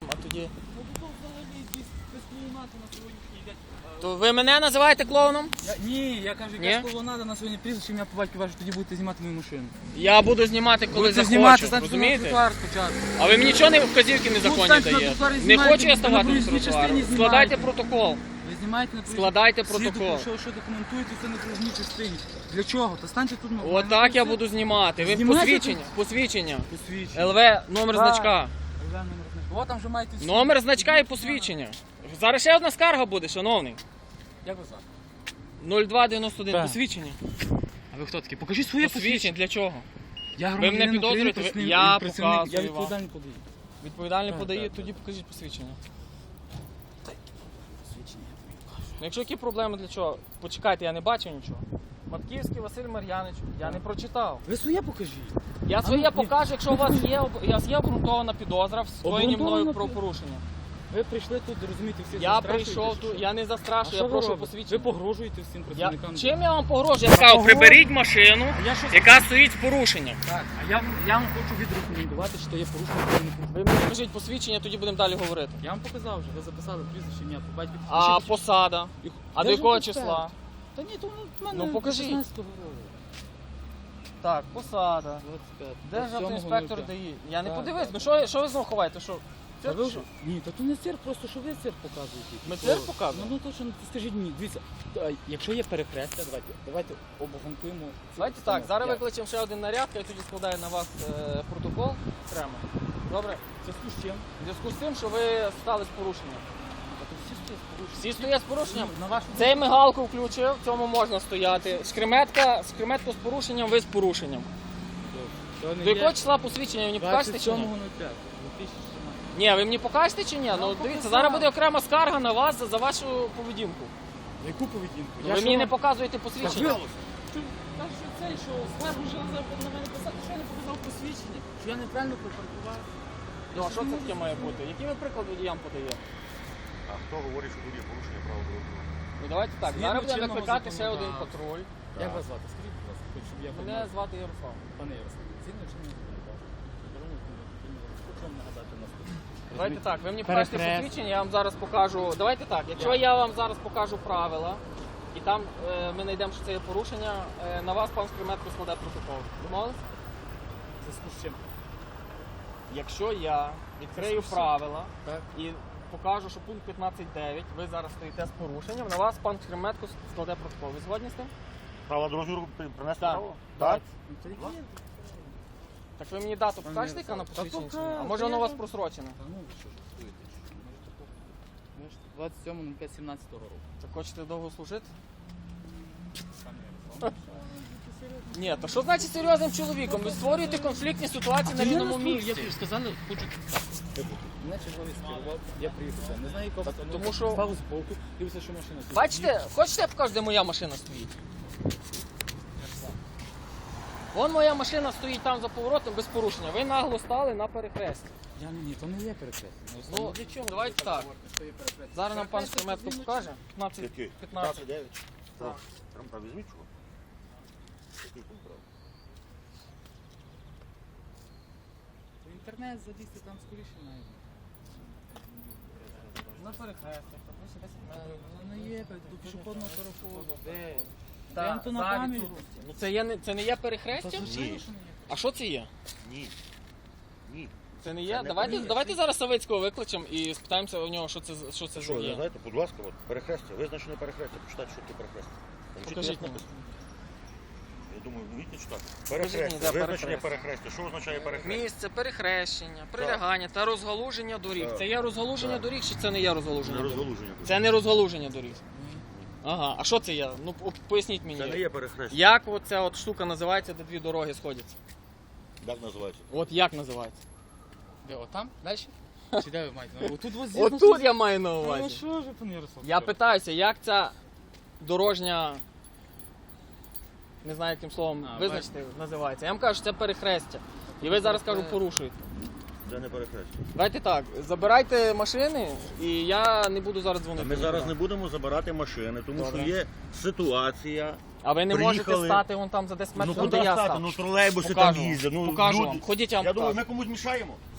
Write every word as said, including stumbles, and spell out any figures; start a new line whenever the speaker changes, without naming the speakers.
а тоді...
Ну тут взагалі якісь без клоунади на сьогоднішній день.
То ви мене називаєте клоуном?
Я, ні, я кажу,
Ні?
якась клоунада на сьогодні прізвище, ім'я по батьку ваше, тоді будете знімати мою машину.
Я буду знімати, коли
Будете
захочу,
знімати, станьте на
розумієте?
тротуар спочатку.
А ви мені нічого не вказівки незаконні
станьте на
даєте?
тротуар і
Не
знімайте,
хочу я
на
ставати на
проїзній
тротуар.
частині
Складайте
знімайте.
протокол.
Ви знімаєте на проїзній-
Складайте
Всі
протокол.
доку- Що, що документуєте це на проїзній частині? Для чого? Та станьте тут на...
Отак я буду знімати. Ви
Знімайте
посвідчення, посвідчення.
Посвідчення.
ел ве, номер
Так.
значка.
О, там вже маєте всі.
Номер значка і посвідчення. Зараз ще одна скарга буде, шановний.
Як ви звати?
нуль два дев'яносто один,
Так.
посвідчення.
А ви хто такий? Покажіть своє
Посвідчення для чого?
Я
мене
громадянин України,
підозрюєте?
працівник-
Я
працівник-
показую
Я
вам.
відповідальний подаю.
Відповідальний
Так,
подає,
так,
тоді покажіть посвідчення.
Посвідчення.
Ну, якщо які проблеми, для чого? Почекайте, я не бачив нічого. Матківський Василь Мар'янович, я не прочитав.
Ви своє покажіть.
Я
А
своє
ну,
покажу, якщо у вас є, об- у вас є обґрунтована підозра в скоєнні мною
Обґрунтована
про
пі-
порушення.
Ви прийшли тут, розумієте, всіх
Я
застрашуєте,
прийшов
чи
тут,
що?
я не
А
застрашую,
що
я
ви
прошу
робите?
посвідчення.
Ви погрожуєте всім
Я...
працівникам.
Чим я вам погрожую? Я сказав,
погрожую.
приберіть машину,
А я що
яка стоїть з порушенням.
Так, а я, вам- я вам хочу відрекомендувати, що є порушення адміністративного.
Ви мені покажіть посвідчення, тоді будемо далі говорити.
Я вам показав вже, ви записали прізвище, ім'я, по батьку.
А
Ще-
посада?
І-
А
Де
до
ж
якого
ви
числа?
Та ні, то ну, в мене
Ну, покажіть.
шістнадцятого року.
Так, посада.
двадцять п'ять.
Державний
двадцять сьомого
інспектор
нуль п'ять.
ДАІ. Я не
Так,
подивився.
так.
Ну що, що ви знову ховаєте? Що?
Та
Цирк
ви
чи
вже-
що?
Ні, та тут не цирк, просто що ви цирк показуєте.
Ми
То-
цирк показуємо?
Ну, ну то що, ну, скажіть мені, дивіться, то, якщо є перехрестя, давайте, давайте обґрунтуємо. цю
Давайте так,
постанову.
зараз
Як?
викличемо ще один наряд, я тоді складаю на вас е, протокол окремо. Добре?
В зв'язку з чим?
В зв'язку з тим, що ви стали з порушенням.
Та тут всі стоять з порушенням.
Всі стоять з порушенням?
Ну, на вашу
Цей мигалку включив, в цьому можна стояти. Шкреметка, шкреметка з порушенням, ви з порушенням.
То не
До
є
якого числа посвідчення ви мені покажете
двадцять
чи ні?
сьомого нуль п'ятого дві тисячі чотирнадцятого.
Ні, ви мені покажете чи ні? Ну
вам
дивіться,
показав.
зараз буде окрема скарга на вас за, за вашу поведінку.
Яку поведінку?
Ви мені не показуєте
Так
посвідчення.
ви- Та що цей, що скаргу вже на мене писати, що я не показав посвідчення? Що я неправильно припаркував?
Ну а що це таке має бути? Які ви приклад водіям подаєте?
А хто говорить, що тут є порушення правил дорожнього руху?
Ну давайте так,
Згідно
зараз будемо
чинного
викликати ще один
законодавства.
патруль.
Як вас звати? Скажіть, будь ласка, хоч, щоб я
Мене
познав.
звати Ярослав.
Пане Ярослав, згідно чинного законодавства, дорожнього адміністративного руку, хочу вам нагадати наступне.
Давайте так, ви мені покажете
Перехрест.
посвідчення, я вам зараз покажу. Давайте так, якщо я вам зараз покажу правила, і там е, ми знайдемо, що це є порушення, е, на вас пан Скриметко складе протокол. Домовились?
В зв'язку з чим?
Якщо я відкрию
Це
правила
Так.
і покажу, що пункт п'ятнадцять дев'ять, ви зараз стоїте з порушенням, на вас пан Скриметко складе протокол. Ви згодні з тим?
Правила дорожнього руху при- принести
Так.
право?
Так.
Ну, то які є?
Так ви мені дату
Пане
покажете, яка на
Ярослав, та
посвідченні? чи ні? А
покажу,
може воно у
я
вас
вам-
просрочене?
Та ну ви що жартуєте? Можете по- Можете двадцять сьомого нуль п'ятого сімнадцятого року.
Так хочете довго служити?
Пане Ярослав.
Ні, то що значить серйозним чоловіком? Ви створюєте конфліктні ситуації на рівному місці.
Як сказали, хочу. Мене черговий скерував, я приїхав. сюди. Не знаю, якого
Та
постанову.
тому що-
Став збоку, дивився, що машина стоїть.
Бачите, хочете я покажу, де моя машина стоїть? Вон моя машина стоїть там за поворотом без порушення. Ви нагло стали на перехресті.
Я не ні, то не є перехрест.
Ну, давайте так. Зараз нам пан Скриметко покаже. п'ятнадцять
Який?
п'ятнадцять.
п'ятнадцять дев'ять?
Так.
Там прав візьміть чого? Який пункт прав?
В інтернет залізти там скоріше навіть.
На перехресті.
Воно не є, до пішохідного переходу. Де?
Так,
Я то на
зараз
пам'ять.
тут. Ну це, є, не- це не є
Та
перехрестя?
звичайно,
Ні.
що не є.
А що це є?
Ні. Ні.
Це не є?
Це не
давайте,
перехрестя.
давайте зараз Савицького викличемо і спитаємося у нього, що це, за- що це
Що,
за
ви
є.
знаєте, будь ласка, от, перехрестя, визначене перехрестя, почитайте, що таке перехрестя. Там чітко
Покажіть мені.
написано. Я думаю, ви вмієте читати?
Покажіть мені,
Перехрестя,
де
визначення
перехрестя.
перехрестя. Що означає перехрестя?
Місце, перехрещення, прилягання та розгалуження доріг.
Так.
Це є розгалуження
Так.
доріг чи це не є розгалуження
Це
доріг?
розгалуження.
Це не розгалуження доріг. Ага, а що це є? Ну п- поясніть мені.
Це не є перехрестя.
Як оця от штука називається, де дві дороги сходяться?
Як називається?
От як називається?
Де, отам? Далі? Чи де ви маєте? Отут ось з'їзд.
Отут я маю на
Ну
увазі.
що ж, пане Ярослав?
Я питаюся, як ця дорожня, не знаю яким словом
А,
визначити, називається. Я вам кажу, що це перехрестя. І ви зараз кажу, порушуєте.
Це не перехрестя.
Давайте так, забирайте машини і я не буду зараз дзвонити.
Ми зараз
нікуди.
не будемо забирати машини, тому
Добре.
що є ситуація.
А ви не можете
Приїхали.
стати вон там за десять
Ну
метрів,
куди
де я
стати?
став.
Ну тролейбуси
Покажу
там
вам.
їздять. Ну,
Покажу
люди-
вам. Ходіть, я вам
Я думаю,
покажу.
ми комусь мішаємо.